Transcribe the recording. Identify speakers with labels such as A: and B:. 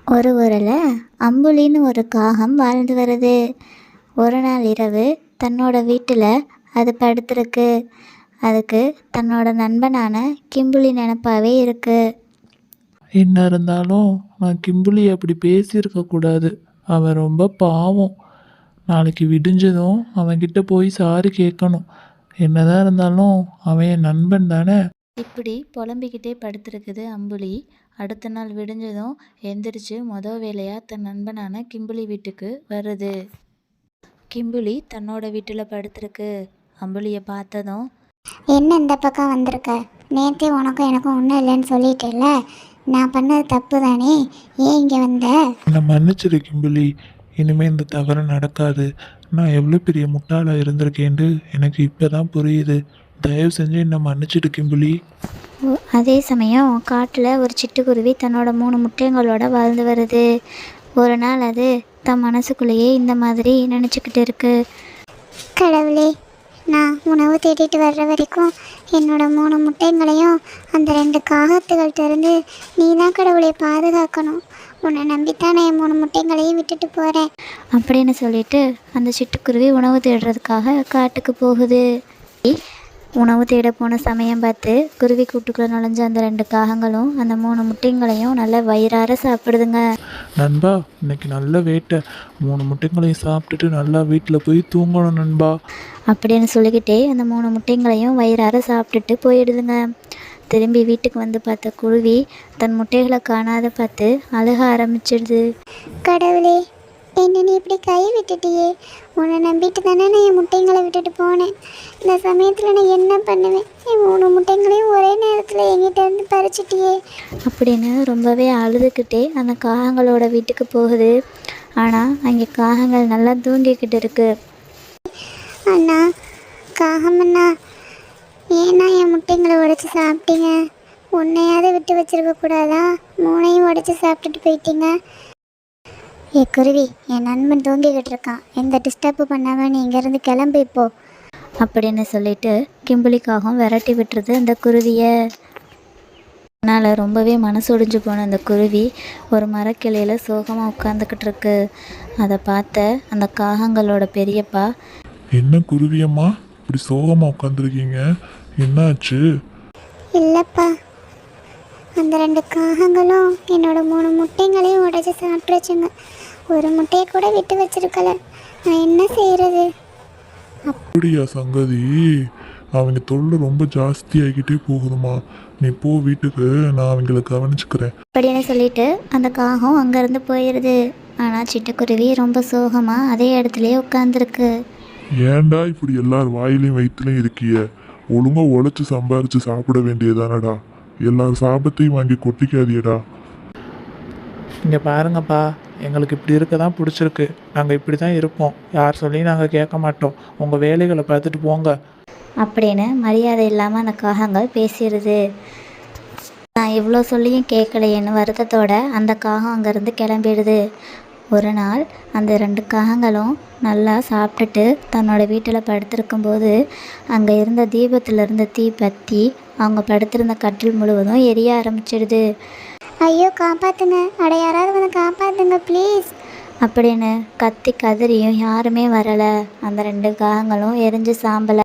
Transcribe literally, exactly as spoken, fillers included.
A: ஒரு ஊரில் அம்புலின்னு ஒரு காகம் வாழ்ந்து வருது. ஒரு நாள் இரவு தன்னோட வீட்டில் அது படுத்திருக்கு. அதுக்கு தன்னோட நண்பனான கிம்புலி நினப்பாவே இருக்கு.
B: என்ன இருந்தாலும் நான் கிம்புலி அப்படி பேசியிருக்கக்கூடாது. அவன் ரொம்ப பாவம். நாளைக்கு விடிஞ்சதும் அவன்கிட்ட போய் சாரி கேட்கணும். என்னதான் இருந்தாலும் அவன் என் நண்பன் தானே.
A: இப்படி புலம்பிக்கிட்டே படுத்திருக்குது அம்புலி. அடுத்த நாள் விடிஞ்சதும் எந்திரிச்சு மொதல் வேலையாக தன் நண்பனான கிம்புலி வீட்டுக்கு வருது. கிம்புலி தன்னோட வீட்டில் படுத்திருக்கு. அம்புலியை பார்த்ததும்,
C: என்ன இந்த பக்கம் வந்திருக்க? நேற்றே உனக்கும் எனக்கும் ஒன்றும் இல்லைன்னு சொல்லிட்டேல்ல, நான் பண்ணது தப்பு தானே, ஏன் இங்கே வந்த?
B: என்னை மன்னிச்சிரு கிம்புலி. இனிமேல் இந்த தவறு நடக்காது. நான் எவ்வளோ பெரிய முட்டாளாக இருந்திருக்கேன்னு எனக்கு இப்போ தான் புரியுது. தயவு செஞ்சு என்னை மன்னிச்சிடு கிம்புலி.
A: ஒ- அதே சமயம் காட்டில் ஒரு சிட்டுக்குருவி தன்னோட மூணு முட்டைங்களோட வாழ்ந்து வருது. ஒரு நாள் அது தன் மனசுக்குள்ளேயே இந்த மாதிரி நினச்சிக்கிட்டு இருக்கு.
C: கடவுளே, நான் உணவு தேடிட்டு வர்ற வரைக்கும் என்னோட மூணு முட்டைங்களையும் அந்த ரெண்டு காகத்துகள்கிட்ட இருந்து நீ தான் கடவுளை பாதுகாக்கணும். உன்னை நம்பித்தான் நான் என் மூணு முட்டைங்களையும் விட்டுட்டு போகிறேன்.
A: அப்படின்னு சொல்லிட்டு அந்த சிட்டுக்குருவி உணவு தேடுறதுக்காக காட்டுக்கு போகுது. உணவு தேட போன சமயம் பார்த்து குருவி கூட்டுக்குள்ளே நுழைஞ்ச அந்த ரெண்டு காகங்களும் அந்த மூணு முட்டைங்களையும் நல்லா வயிறார சாப்பிடுதுங்க.
B: நண்பா, இன்னைக்கு நல்ல வேட்டை. மூணு முட்டைங்களையும் சாப்பிட்டுட்டு நல்லா வீட்டில் போய் தூங்கணும் நண்பா.
A: அப்படின்னு சொல்லிக்கிட்டே அந்த மூணு முட்டைங்களையும் வயிறார சாப்பிட்டுட்டு போயிடுதுங்க. திரும்பி வீட்டுக்கு வந்து பார்த்த குருவி தன் முட்டைகளை காணாத பார்த்து அழுக ஆரம்பிச்சிடுது.
C: கடவுளே, என்ன நீ இப்படி கை விட்டுட்டியே. உன்னை நம்பிட்டு தானே நான் என் முட்டைங்களை விட்டுட்டு போனேன். இந்த சமயத்தில் நான் என்ன பண்ணுவேன்? என் மூணு முட்டைங்களையும் ஒரே நேரத்தில் என்கிட்ட இருந்து பறிச்சிட்டியே.
A: அப்படின்னு ரொம்பவே அழுதுகிட்டே அந்த காகங்களோட வீட்டுக்கு போகுது. ஆனால் அங்கே காகங்கள் நல்லா தூங்கிக்கிட்டு இருக்கு.
C: அண்ணா, காகமண்ணா, ஏன்னா என் முட்டைங்களை உடைச்சி சாப்பிட்டீங்க? உன்னையாவது விட்டு வச்சிருக்க கூடாதா? மூணையும் உடைச்சி சாப்பிட்டுட்டு போயிட்டீங்க. ஏ குருவி, என் நண்பன் தூங்கிக்கிட்டு இருக்கான். எந்த டிஸ்டர்பு பண்ணாமல் நீ இங்கேருந்து கிளம்பு இப்போ.
A: அப்படின்னு சொல்லிட்டு கிம்புலிக்காகவும் விரட்டி விட்டுருது அந்த குருவியை. அதனால் ரொம்பவே மனசொடிஞ்சு போன அந்த குருவி ஒரு மரக்கிளையில் சோகமாக உட்காந்துக்கிட்டு இருக்கு. அதை பார்த்த அந்த காகங்களோட பெரியப்பா,
D: என்ன குருவியம்மா இப்படி சோகமாக உட்காந்துருக்கீங்க? என்னாச்சு?
C: இல்லைப்பா, அந்த ரெண்டு காகங்களும் என்னோட மூணு முட்டைங்களையும் உடைச்சி சாப்பிட்ருச்சுங்க. ஒரு முட்டையை கூட விட்டு வச்சிருக்கல. நான் என்ன செய்கிறது?
D: அப்படியா சங்கதி? அவங்க தொல்லை ரொம்ப ஜாஸ்தி ஆகிக்கிட்டே போகுதுமா. நீ போ வீட்டுக்கு, நான் அவங்கள கவனிச்சுக்கிறேன்.
A: அப்படின்னு சொல்லிட்டு அந்த காகம் அங்கேருந்து போயிடுது. ஆனால் சிட்டுக்குருவி ரொம்ப சோகமாக அதே இடத்துலையே உட்காந்துருக்கு.
D: ஏன்டா இப்படி எல்லார் வாயிலையும் வயிற்றுலையும் இருக்கிய? ஒழுங்கா உழைச்சி சம்பாரிச்சு சாப்பிட வேண்டியதானடா. எல்லார் சாபத்தையும் வாங்கி கொட்டிக்காதியடா.
B: இங்கே பாருங்கப்பா, எங்களுக்கு இப்படி இருக்க தான் பிடிச்சிருக்கு. நாங்கள் இப்படி தான் இருப்போம். யார் சொல்லியும் நாங்கள் கேட்க மாட்டோம். உங்கள் வேலைகளை பார்த்துட்டு போங்க.
A: அப்படின்னு மரியாதை இல்லாமல் அந்த காகங்கள் பேசிடுது. நான் இவ்வளோ சொல்லியும் கேட்கலையேன்னு வருத்தத்தோட அந்த காகம் அங்கேருந்து கிளம்பிடுது. ஒரு நாள் அந்த ரெண்டு காகங்களும் நல்லா சாப்பிட்டுட்டு தன்னோட வீட்டில் படுத்திருக்கும்போது அங்கே இருந்த தீபத்தில் இருந்த தீ பற்றி அவங்க படுத்திருந்த கட்டில் முழுவதும் எரிய ஆரம்பிச்சிடுது.
C: ஐயோ, காப்பாற்றுங்க, அட யாராவது வந்து காப்பாற்றுங்க ப்ளீஸ்.
A: அப்படின்னு கத்தி கதறியும் யாருமே வரலை. அந்த ரெண்டு காகங்களும் எரிஞ்சு சாம்பல